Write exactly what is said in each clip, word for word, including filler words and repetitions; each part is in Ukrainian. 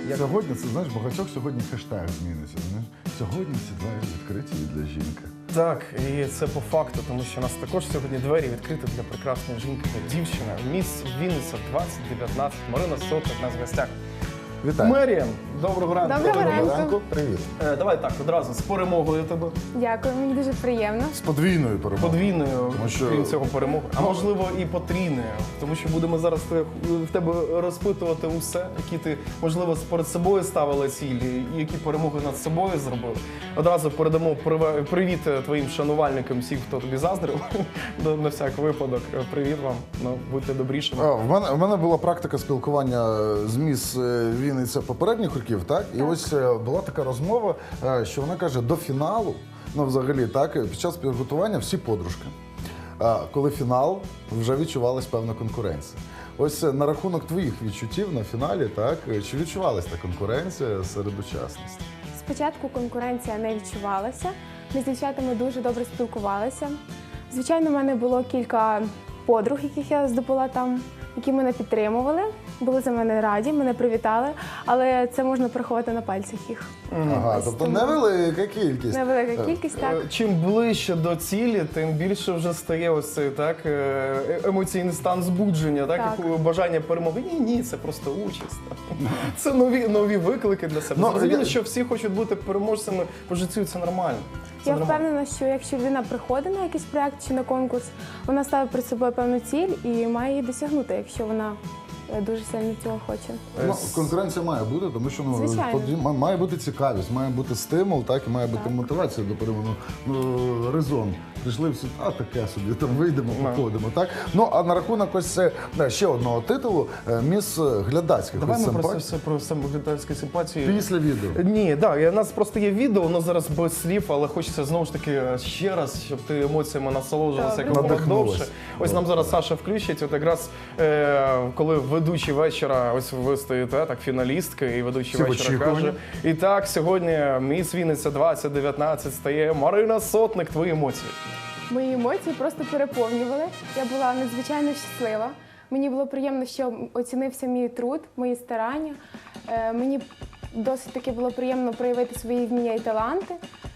Як... Сьогодні, це знаєш, багатьох сьогодні хештег зміниться. Знаєш? Сьогодні всі двері відкриті для жінки. Так, і це по факту, тому що у нас також сьогодні двері відкриті для прекрасної жінки та дівчини. Міс Вінниця двадцять дев'ятнадцять. Марина Сотник у нас в гостях. Вітаю. Мерія, доброго ранку. Доброго ранку. ранку. Привіт. Е, давай так, одразу з перемогою тебе. Дякую, мені дуже приємно. З подвійною перемогою. Подвійною, Тому що- крім цього, перемоги. А можливо і потрійною. Тому що будемо зараз те- в тебе розпитувати усе, які ти, можливо, перед собою ставила цілі, і які перемоги над собою зробили. Одразу передамо приве- привіт твоїм шанувальникам, всім, хто тобі заздрив. На на всяк випадок. Привіт вам. Ну, будьте добрішими. А, в, мене, в мене була практика спілкування з міс е, Вінниця попередніх років, так? І ось е, була така розмова, е, що вона каже, до фіналу, ну взагалі, так, під час підготування всі подружки. А коли фінал, вже відчувалась певна конкуренція. Ось е, на рахунок твоїх відчуттів на фіналі, так, е, чи відчувалась та конкуренція серед учасниць? Спочатку конкуренція не відчувалася. Ми з дівчатами дуже добре спілкувалися. Звичайно, в мене було кілька подруг, яких я здобула там, які мене підтримували, були за мене раді, мене привітали, але це можна порахувати на пальцях їх. Ага, тобто невелика кількість. Невелика кількість, так. Е, Чим ближче до цілі, тим більше вже стає ось цей так е, емоційний стан збудження, так, Так. як бажання перемоги. Ні, ні, це просто участь. Це нові нові виклики для себе. Ну, Зрозуміло, я- що всі хочуть бути переможцями по життю, це нормально. Це Я нормально. впевнена, що якщо людина приходить на якийсь проєкт чи на конкурс, вона ставить перед собою певну ціль і має її досягнути, якщо вона е, дуже сильно цього хоче. Ну, Е, конкуренція має бути, тому що ну, Звичайно. поді- ма- має бути цікавість, має бути стимул, так, і має бути Так. мотивація до перемоги. Ну, резон. Прийшли всі, а таке собі, там вийдемо, Ну. походимо, так? Ну, а на рахунок ось е, да, ще одного титулу, е, міс глядацьких. Давай ось ми про це симпатій. все про самоглядацькі симпатії. Після відео. Ні, так, у нас просто є відео, воно зараз без слів, але хочеться знову ж таки ще раз, щоб ти емоціями насолоджувалася Добре. якомога Надихнулась. довше. Ось нам зараз Саша включить, от якраз е, коли ведучий вечора, ось ви стоїте, так, фіналістки, і ведучий Всі в вечора очікуванні. каже, і так, сьогодні Міс Вінниця двадцять дев'ятнадцять стає Марина Сотник, твої емоції. Мої емоції просто переповнювали. Я була надзвичайно щаслива. Мені було приємно, що оцінився мій труд, мої старання. Е, Мені досить таки було приємно проявити свої вміння і таланти.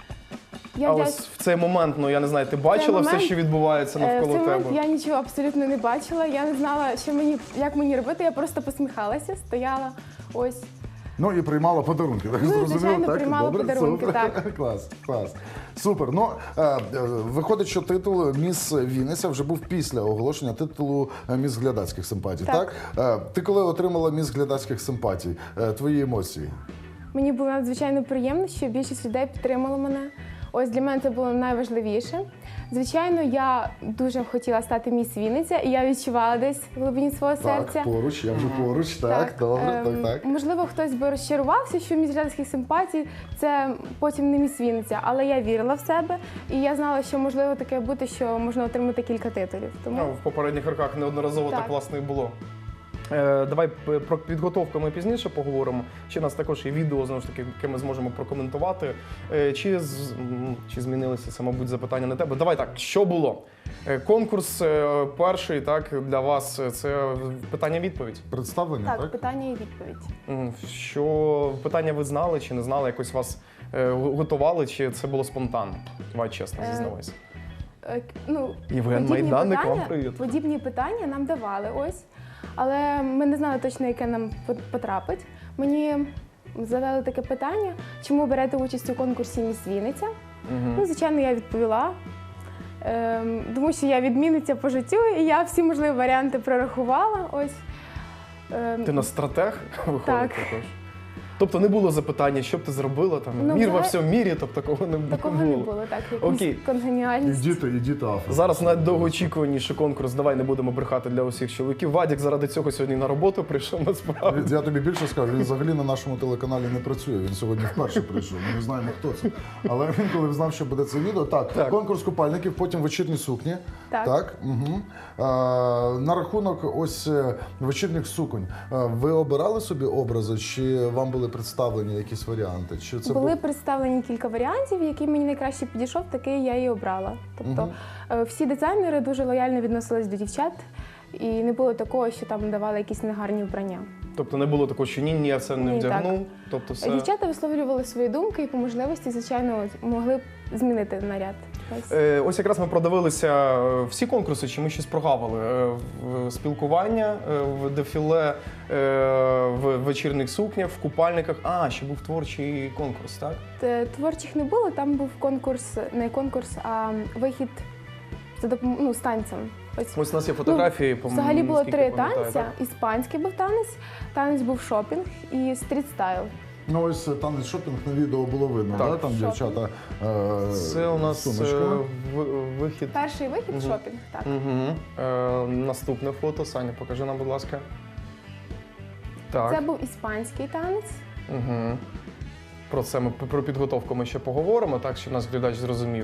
Я А вдяч- ось в цей момент, ну я не знаю, ти бачила все, момент, що відбувається Е, В навколо цей момент тебе? я нічого абсолютно не бачила. Я не знала, що мені, як мені робити. Я просто посміхалася, стояла ось. Ну і приймала подарунки. Так, Ну, зрозуміло, звичайно, так? приймала Добре? подарунки, Супер. так. Клас, клас. Супер. Ну, е, е, виходить, що титул Міс Вінниця вже був після оголошення титулу е, Міс глядацьких симпатій, так? Так. Е, ти коли отримала Міс глядацьких симпатій, е, твої емоції? Мені було надзвичайно приємно, що більшість людей підтримало мене. Ось для мене це було найважливіше. Звичайно, я дуже хотіла стати міс Вінниця, і я відчувала десь в глибині свого серця. Так, поруч, я вже поруч, так, добре, ем, так, так. Можливо, хтось би розчарувався, що міс глядацьких симпатій це потім не міс Вінниця, але я вірила в себе, і я знала, що можливо таке бути, що можна отримати кілька титулів. Тому Ну, в попередніх роках неодноразово так, Так. власне і було. Е, давай п- про підготовку ми пізніше поговоримо. Ще у нас також є відео, знову ж таки, яке ми зможемо прокоментувати. Е, чи, з- м, чи змінилися, це, мабуть, запитання на тебе. Давай так, що було? Е, конкурс е, перший, так, для вас е, це питання-відповідь. Представлення, так, так? питання і відповідь. М, Що питання ви знали чи не знали, якось вас е, го- готували, чи це було спонтанно? Давай чесно, Е, зізнавайся. Е, Ну, Євген подібні Майданник, питання- вам привіт. Подібні питання нам давали ось, але ми не знали точно, яке нам пот- потрапить. Мені задали таке питання, чому берете участь у конкурсі Міс Вінниця? Ну, звичайно, я відповіла. Ем, тому що я відмінниця по життю, і я всі можливі варіанти прорахувала. Ось. Ем, Ти на стратег виходить Так. також? Тобто не було запитання, що б ти зробила, там, Ну, мір во взагалі- всьому мірі, тобто такого не, Такого не не було. було, так, Окей. якусь конгеніальність. Ідіть, ідіть афро. Зараз найдовгоочікуваніший конкурс, давай не будемо брехати для усіх чоловіків. Вадік заради цього сьогодні на роботу прийшов, насправді. Я тобі більше скажу, він взагалі на нашому телеканалі не працює. Він сьогодні вперше прийшов. Ми не знаємо, хто це. Але він, коли знав, що буде це відео, так, Так. конкурс купальників, потім вечірні сукні. Так. Так. Угу. А, на рахунок ось е, вечірніх суконь. А, ви обирали собі образи, чи вам були представлені якісь варіанти? Чи це Були був- представлені кілька варіантів, який мені найкраще підійшов, такий я і обрала. Тобто е, всі дизайнери дуже лояльно відносились до дівчат. І не було такого, що там давали якісь негарні вбрання. Тобто не було такого, що ні, ні, я це не Ні, вдягну. так. Тобто все... Дівчата висловлювали свої думки і по можливості, звичайно, могли б змінити наряд. Ось. Е, Ось якраз ми продивилися е, всі конкурси, чи ми щось прогавили. Е, в спілкування, е, в дефіле, е, в вечірніх сукнях, в купальниках. А, ще був творчий конкурс, так? Т- Творчих не було, там був конкурс, не конкурс, а вихід за допом... ну, з танцем. Ось. Ось у нас є фотографії. Ну, по- взагалі було наскільки три я пам'ятаю, танця. так? Іспанський був танець, танець був шопінг і стріт-стайл. Ну ось е, танець шопінг на відео було видно, Так. да? Там Шопінг. дівчата е, Це у нас з е, сумочками. в- вихід. Перший вихід Мгм. шопінг, так. Угу. Е, наступне фото. Саня, покажи нам, будь ласка. Так. Це був іспанський танець. Угу. Про це ми про підготовку ми ще поговоримо, так, щоб нас глядач зрозумів.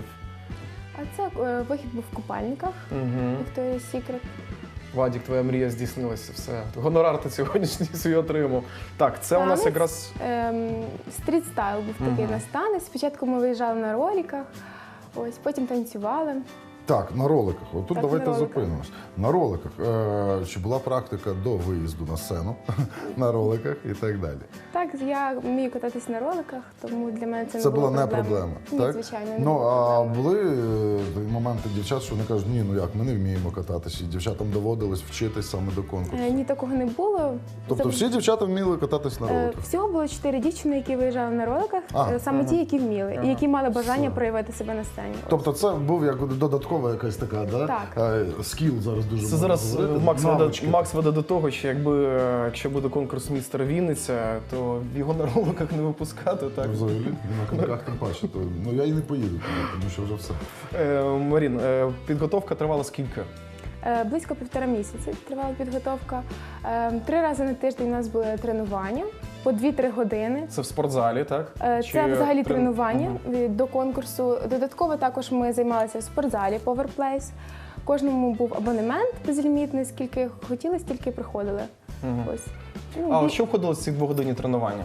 А це е, вихід був в купальниках Угу. Victoria's Secret. Вадік, твоя мрія здійснилася, все. Гонорар ти сьогоднішній свій отримав. Так, це у нас Танець. якраз. Ем, стріт-стайл був такий Мгм. у нас танець. Спочатку ми виїжджали на роликах, ось, потім танцювали. Так, на роликах. Отут Так, давайте на роликах. зупинимось. На роликах. Е, чи була практика до виїзду на сцену на роликах і так далі? Так, я вмію кататись на роликах, тому для мене це, Це не було була не проблеми. проблема. Ні, так? звичайно, не Ну було а проблеми. були е, моменти дівчат, що вони кажуть, ні, ну як, ми не вміємо кататися. І дівчатам доводилось вчитись саме до конкурсу. Е, Ні, такого не було. Тобто Це- всі дівчата вміли кататись на Е, роликах. Всього було чотири дівчини, які виїжджали на роликах, А, е, саме ага. ті, які вміли, Ага. і які мали бажання Все. проявити себе на сцені. Тобто це був як додаткова якась така, да? Так. Е, скіл зараз дуже Це можна зараз е, говорити, Макс веде, навички. Макс веде до того, що якби е, якщо буде конкурс містер Вінниця, то його на роликах не випускати. Так? Ну, взагалі, і на коньках тим паче. То, ну я і не поїду туди, тому що вже все. Е, Марін, е, підготовка тривала скільки? Е, Близько півтора місяці тривала підготовка. Е, Три рази на тиждень у нас були тренування по дві-три години. Це в спортзалі, так? Е, Чи Це взагалі трен- тренування Мгм. від- до конкурсу. Додатково також ми займалися в спортзалі Powerplace. Кожному був абонемент безлімітний, скільки хотіли, стільки приходили. Мгм. Ось. Ну, А бі- що входило в ці двогодинні тренування?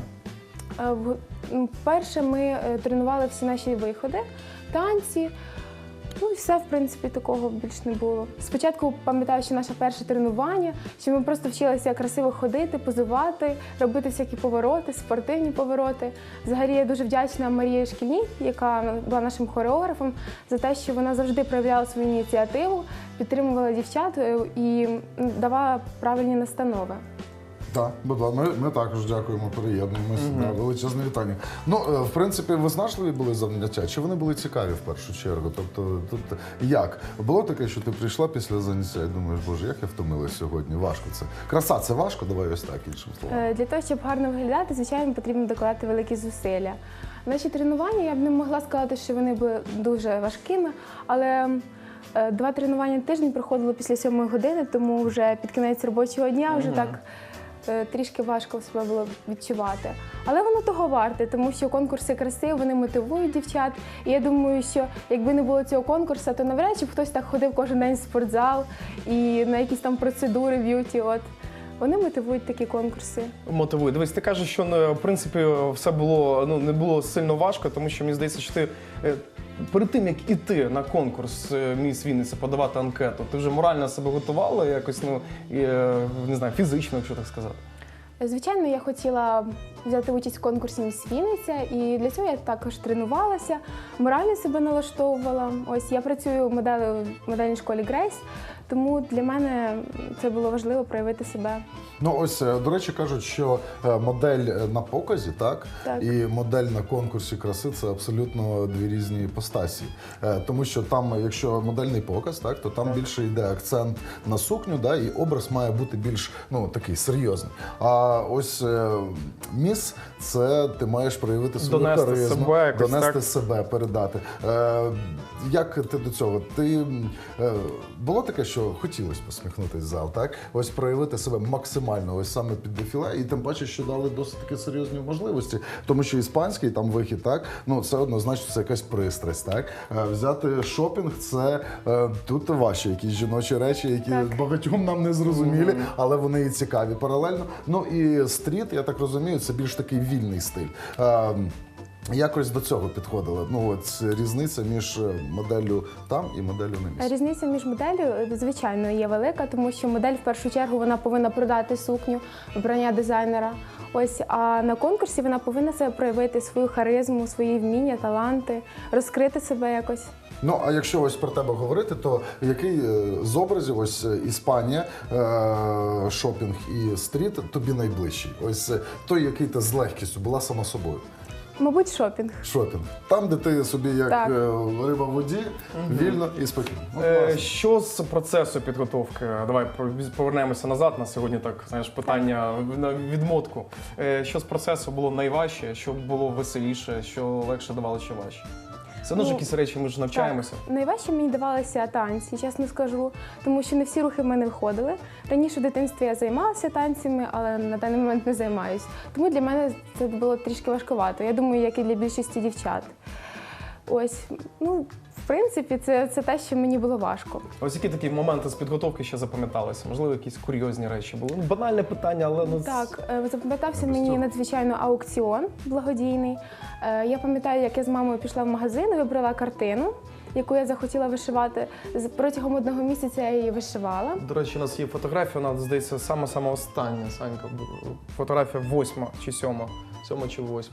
Е, в- м, Перше ми е, тренували всі наші виходи, танці. Ну і все, в принципі, такого більш не було. Спочатку пам'ятаю, що наше перше тренування, що ми просто вчилися красиво ходити, позувати, робити всякі повороти, спортивні повороти. Взагалі я дуже вдячна Марії Шкільній, яка була нашим хореографом, за те, що вона завжди проявляла свою ініціативу, підтримувала дівчат е, і м, давала правильні настанови. Так, будь ласка, ми, ми також дякуємо, приєднуємося. Да, величезне вітання. Ну, е, в принципі, виснажливі були заняття, чи вони були цікаві в першу чергу? Тобто, тут як? Було таке, що ти прийшла після заняття і думаєш, боже, як я втомилась сьогодні? Важко це. Краса це важко, давай ось так, іншим словом. Е, Для того, щоб гарно виглядати, звичайно, потрібно докладати великі зусилля. Наші тренування, я б не могла сказати, що вони були дуже важкими, але е, два тренування на тиждень проходило після сьомої години, тому вже під кінець робочого дня вже так е, трішки важко себе було відчувати. Але воно того варте, тому що конкурси краси, вони мотивують дівчат. І я думаю, що якби не було цього конкурсу, то навряд чи б хтось так ходив кожен день в спортзал і на якісь там процедури б'юті. От. Вони мотивують такі конкурси. Мотивує. Дивись, ти кажеш, що ну, в принципі все було ну не було сильно важко, тому що мені здається, що ти е, перед тим як іти на конкурс е, Міс Вінниця подавати анкету, ти вже морально себе готувала якось, ну е, не знаю, фізично, якщо так сказати. Звичайно, я хотіла взяти участь в конкурсі «Міс Вінниця», і для цього я також тренувалася, морально себе налаштовувала. Ось я працюю моделлю в модельній школі Грейс, тому для мене це було важливо проявити себе. Ну ось, е, до речі, кажуть, що е, модель е, на показі, так? Так. І модель на конкурсі краси це абсолютно дві різні іпостасі. Е, Тому що там, якщо модельний показ, так, то там більше йде акцент на сукню, да, і образ має бути більш ну, такий серйозний. А ось е, міс це ти маєш проявити свою Донести харизму, себе якось, донести так? себе, передати. Е, Як ти до цього? Ти е, було таке, що хотілося посміхнутися в зал, так? Ось проявити себе максимально, ось саме під дефіле, і тим паче, що дали досить таки серйозні можливості, тому що іспанський там вихід, так? Ну це однозначно це якась пристрасть, так? Е, Взяти шопінг, це е, тут ваші якісь жіночі речі, які Так. багатьом нам не зрозумілі, але вони і цікаві паралельно. Ну і стріт, я так розумію, це більш такий вільний стиль. Е, якось до цього підходили? Ну, от різниця між моделлю там і моделлю на місці. Різниця між моделлю, звичайно, є велика, тому що модель в першу чергу вона повинна продати сукню, вбрання дизайнера. Ось, а на конкурсі вона повинна себе проявити, свою харизму, свої вміння, таланти, розкрити себе якось. Ну, а якщо ось про тебе говорити, то який е, з образів, ось е, Іспанія, е, шопінг і стріт тобі найближчий? Ось е, той, який ти з легкістю була сама собою. Мабуть, шопінг. Шопінг. Там, де ти собі як Так. е, риба в воді, вільно і спокійно. Ну, Е, класно. Що з процесу підготовки? Давай повернемося назад. На сьогодні так, знаєш, питання на відмотку. Е, Що з процесу було найважче, що було веселіше, що легше давало, що важче? Це ну, ж Ну, якісь речі, ми ж навчаємося. Так. Найважче мені давалися танці, чесно скажу, тому що не всі рухи в мене виходили. Раніше в дитинстві я займалася танцями, але на даний момент не займаюсь. Тому для мене це було трішки важкувато. Я думаю, як і для більшості дівчат. Ось, ну, в принципі, це, це те, що мені було важко. Ось які такі моменти з підготовки ще запам'яталися? Можливо, якісь курйозні речі були? Ну, банальне питання, але ну, Так, е, запам'ятався без мені цього. надзвичайно аукціон благодійний. Е, Я пам'ятаю, як я з мамою пішла в магазин і вибрала картину, яку я захотіла вишивати. З- Протягом одного місяця я її вишивала. До речі, у нас є фотографія, вона, здається, сама-сама остання, Санька. Фотографія восьма чи сьома. Сьома чи восьма.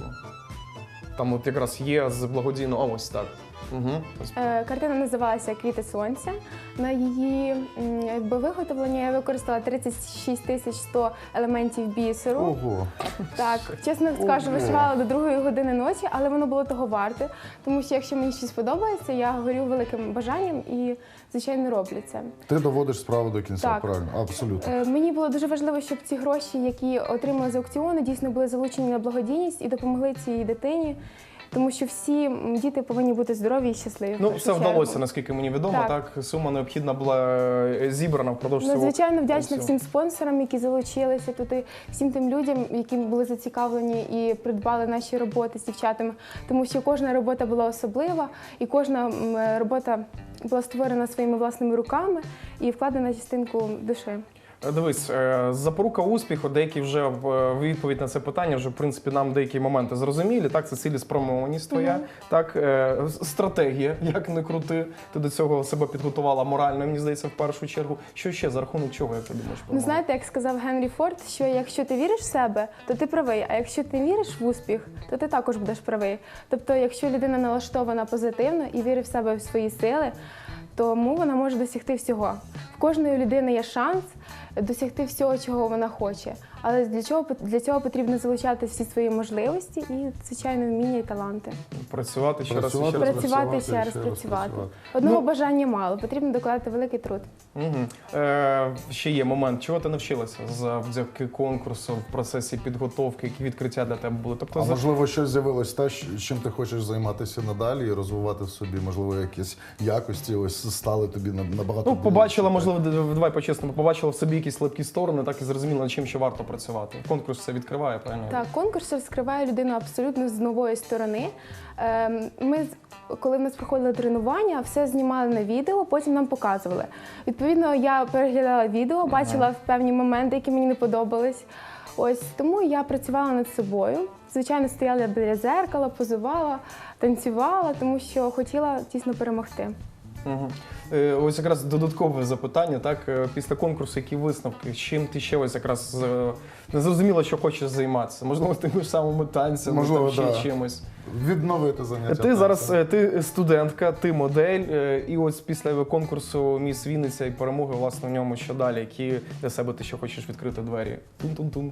Там от якраз є з благодійного, а ось так. Угу. Е, Картина називалася «Квіти сонця». На її м, якби, виготовлення я використала тридцять шість тисяч сто елементів бісеру. Ого. Так, чесно скажу, Ого. вишивала до другої години ночі, але воно було того варте. Тому що якщо мені щось подобається, я горю великим бажанням і, звичайно, роблю це. Ти доводиш справу до кінця, Так. правильно? Абсолютно. Е, Мені було дуже важливо, щоб ці гроші, які отримали з аукціону, дійсно були залучені на благодійність і допомогли цій дитині. Тому що всі м, діти повинні бути здорові і щасливі. в Ну, першу все вдалося, чергу. наскільки мені відомо. Так. Так. Сума необхідна була е, зібрана впродовж цього. Надзвичайно вдячна всього. всім спонсорам, які залучилися тут, і всім тим людям, які були зацікавлені і придбали наші роботи з дівчатами. Тому що кожна робота була особлива, і кожна м, робота була створена своїми власними руками і вкладена частинку душі. Е, Дивись, е, запорука успіху, деякі вже в е, відповідь на це питання, вже в принципі нам деякі моменти зрозумілі. Так, це цілеспрямованість твоя, так, е, с- стратегія, як не крути. Ти до цього себе підготувала морально, мені здається, в першу чергу. Що ще за рахунок чого, як ти думаєш? Ну, перемога? знаєте, як сказав Генрі Форд, що якщо ти віриш в себе, то ти правий, а якщо ти віриш в успіх, то ти також будеш правий. Тобто, якщо людина налаштована позитивно і вірить в себе в свої сили, тому вона може досягти всього. В кожної людини є шанс досягти всього, чого вона хоче. Але для чого для цього потрібно залучати всі свої можливості і, звичайно, вміння і таланти. Працювати ще раз і Працювати, ще раз. Працювати, ще раз ще раз працювати. працювати. Одного Ну, бажання мало, потрібно докладати великий труд. Угу. Е, ще є момент, чого ти навчилася завдяки конкурсу в процесі підготовки, які відкриття для тебе були? Тобто, А за- можливо, щось з'явилось те, щ- чим ти хочеш займатися надалі і розвивати в собі, можливо, якісь якості ось стали тобі на- набагато Ну, ближче, побачила, так? можливо, д- давай по-чесному, побачила в собі якісь слабкі сторони, так і зрозуміла, над чим ще варто працювати. Конкурс це відкриває, правильно? Так, конкурс розкриває людину абсолютно з нової сторони. Ем, Ми, з- коли в нас проходили тренування, все знімали на відео, потім нам показували. Відповідно, я переглядала відео, бачила певні моменти, які мені не подобались. Ось тому я працювала над собою. Звичайно, стояла біля зеркала, позувала, танцювала, тому що хотіла дійсно перемогти. Угу. Е, ось якраз додаткове запитання, так, е, після конкурсу, які висновки, з чим ти ще ось якраз е, не зрозуміла, що хочеш займатися? Можливо, тими ж самими танцями, Можливо, там, ще да. чимось. Відновити заняття. Ти зараз танцем. е, ти студентка, ти модель, е, і ось після конкурсу Міс Вінниця і перемоги, власне, в ньому що далі? Які для себе ти ще хочеш відкрити двері? Тун-тун-тун.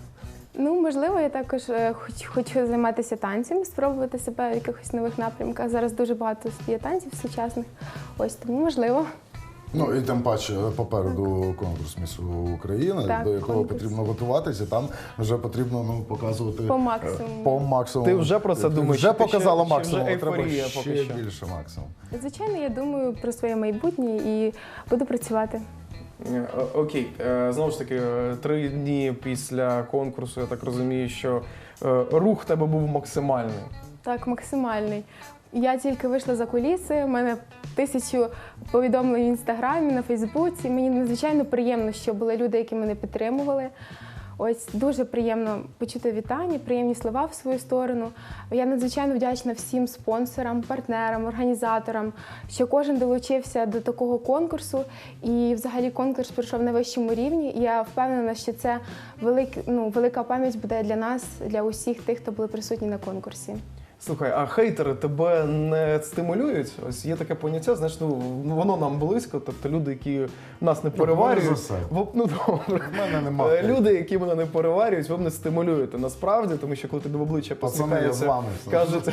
Ну, можливо, я також е, хоч, хочу займатися танцями, спробувати себе в якихось нових напрямках. Зараз дуже багато є танців сучасних. Ось тому можливо. Ну і тим паче попереду конкурс Міс України, Так, до якого конкурс. потрібно готуватися. Там вже потрібно ну показувати По е, максимуму. По максимуму. Ти вже про це Ти думаєш, Вже чи ти показала ще- чи максимум. вже а треба ейфорія ще поки що? більше максимум. Звичайно, я думаю про своє майбутнє і буду працювати. Е, Окей, Е, знову ж таки, е, три дні після конкурсу, я так розумію, що е, рух в тебе був максимальний. Так, максимальний. Я тільки вийшла за куліси, у мене тисячу повідомлень в інстаграмі, на Фейсбуці. Мені надзвичайно приємно, що були люди, які мене підтримували. Ось дуже приємно почути вітання, приємні слова в свою сторону. Я надзвичайно вдячна всім спонсорам, партнерам, організаторам, що кожен долучився до такого конкурсу. І взагалі конкурс пройшов на вищому рівні. І я впевнена, що це велик, ну, велика пам'ять буде для нас, для усіх тих, хто були присутні на конкурсі. Слухай, а хейтери тебе не стимулюють? Ось є таке поняття, знаєш, ну воно нам близько, тобто люди, які нас не переварюють. говори за себе. в- Ну добре. В мене немає. Е, Люди, які мене не переварюють, ви мене стимулюєте насправді, тому що коли тобі в обличчя Пацани, я з посміхаються, вами все. кажуть,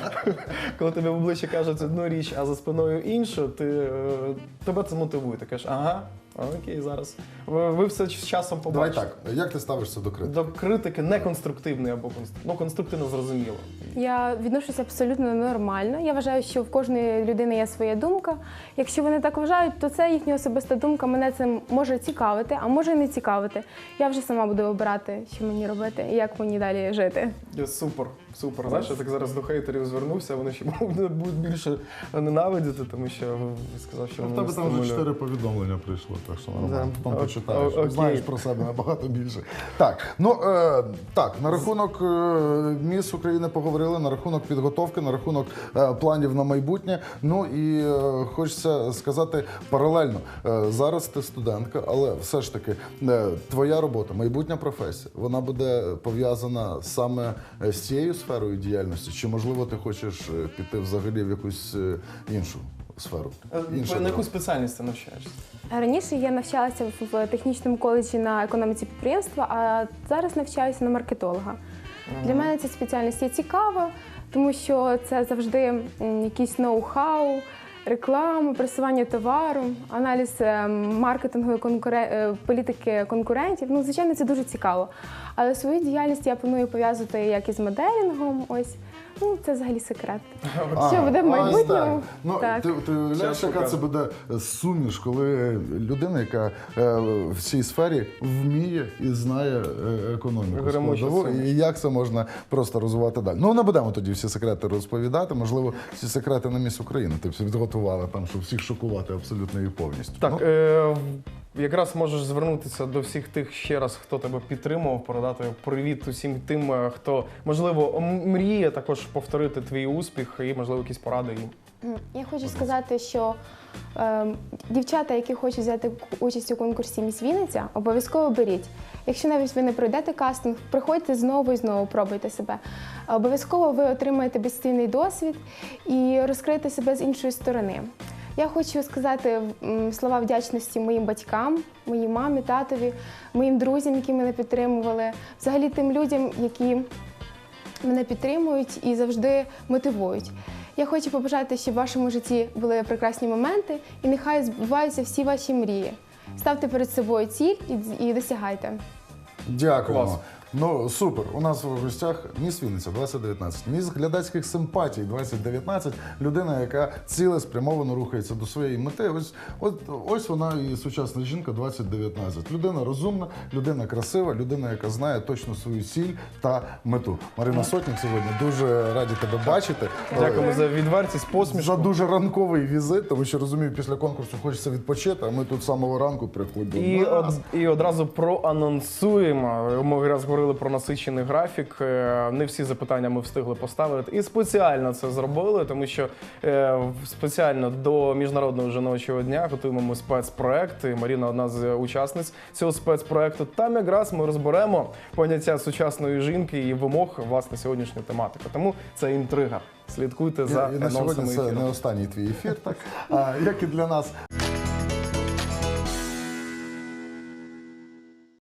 коли тобі в обличчя кажуть одну річ, а за спиною іншу, ти е, тебе це мотивує. Ти кажеш, ага, окей, зараз. Ви, ви все з часом Давай побачите. так, як ти ставишся до критики? До критики неконструктивної або конструктивної. Ну, конструктивно зрозуміло. Я відношуся абсолютно нормально. Я вважаю, що в кожної людини є своя думка. Якщо вони так вважають, то це їхня особиста думка. Мене це може цікавити, а може і не цікавити. Я вже сама буду обирати, що мені робити і як мені далі жити. Е, Супер, супер. Знаєш, я так зараз до хейтерів звернувся, вони ще будуть більше ненавидіти, тому що ви сказав, що В вони тебе не там вже стимулюють. чотири повідомлення прийшло, так що нормально. Да. Потім О- почитаєш. о- окей. Знаєш про себе набагато більше. Так, ну е, так, на рахунок е, Міс України поговорили, на рахунок підготовки, на рахунок е, планів на майбутнє. Ну і е, хочеться сказати паралельно. Е, зараз ти студентка, але все ж таки е, твоя робота, майбутня професія, вона буде пов'язана саме е, з цією сферою діяльності, чи можливо ти хочеш е, піти взагалі в якусь е, іншу сферу? Е, Інша На яку дорога? спеціальність ти навчаєшся? Раніше я навчалася в- в технічному коледжі на економіці підприємства, а зараз навчаюся на маркетолога. Для мене ця спеціальність є цікава, тому що це завжди м, якийсь ноу-хау, реклама, просування товару, аналіз е, маркетингу і конкуре- е, політики конкурентів. Ну, звичайно, це дуже цікаво. Але свою діяльність я планую пов'язувати як із моделінгом. Ось. Ну, це взагалі секрет. Що буде в ось майбутньому? так. Ну, Так. ти, ти уявляєш, Щас яка це покажу. буде суміш, коли людина, яка е, в цій сфері вміє і знає е, економіку Гремуча складову, суміш. і як це можна просто розвивати далі. Ну, не будемо тоді всі секрети розповідати. Можливо, всі секрети на Міс України ти всі підготувала там, щоб всіх шокувати абсолютно і повністю. Так, Ну, е, якраз можеш звернутися до всіх тих ще раз, хто тебе підтримував, передати привіт усім тим, е, хто, можливо, м- мріє також повторити твій успіх і, можливо, якісь поради їм. М, Я хочу сказати, що е, дівчата, які хочуть взяти участь у конкурсі «Міс Вінниця», обов'язково беріть. Якщо навіть ви не пройдете кастинг, приходьте знову і знову, пробуйте себе. Обов'язково ви отримаєте безцінний досвід і розкриєте себе з іншої сторони. Я хочу сказати м, слова вдячності моїм батькам, моїй мамі, татові, моїм друзям, які мене підтримували, взагалі тим людям, які мене підтримують і завжди мотивують. Я хочу побажати, щоб в вашому житті були прекрасні моменти і нехай збуваються всі ваші мрії. Ставте перед собою ціль і, і досягайте. Дякуємо. Клас. Ну супер. У нас в гостях Міс Вінниця двадцять дев'ятнадцять. Міс глядацьких симпатій двадцять дев'ятнадцять. Людина, яка цілеспрямовано рухається до своєї мети. Ось, от, ось вона і сучасна жінка двадцять дев'ятнадцять. Людина розумна, людина красива, людина, яка знає точно свою ціль та мету. Марина Сотник сьогодні дуже раді тебе бачити. Дякуємо за відвертість, посмішку. За дуже ранковий візит, тому що розумію, після конкурсу хочеться відпочити, а ми тут з самого ранку приходимо. І, од, і одразу проанонсуємо. Ми якраз говорили про насичений графік. Е, Не всі запитання ми встигли поставити. І спеціально це зробили, тому що е, спеціально до Міжнародного жіночого дня готуємо ми спецпроект. І Маріна одна з учасниць цього спецпроекту. Там якраз ми розберемо поняття сучасної жінки і вимог власне сьогоднішньої тематики. Тому це інтрига. Слідкуйте за І, і на сьогодні анонсами це ефіру. не останній твій ефір, так? А, як і для нас.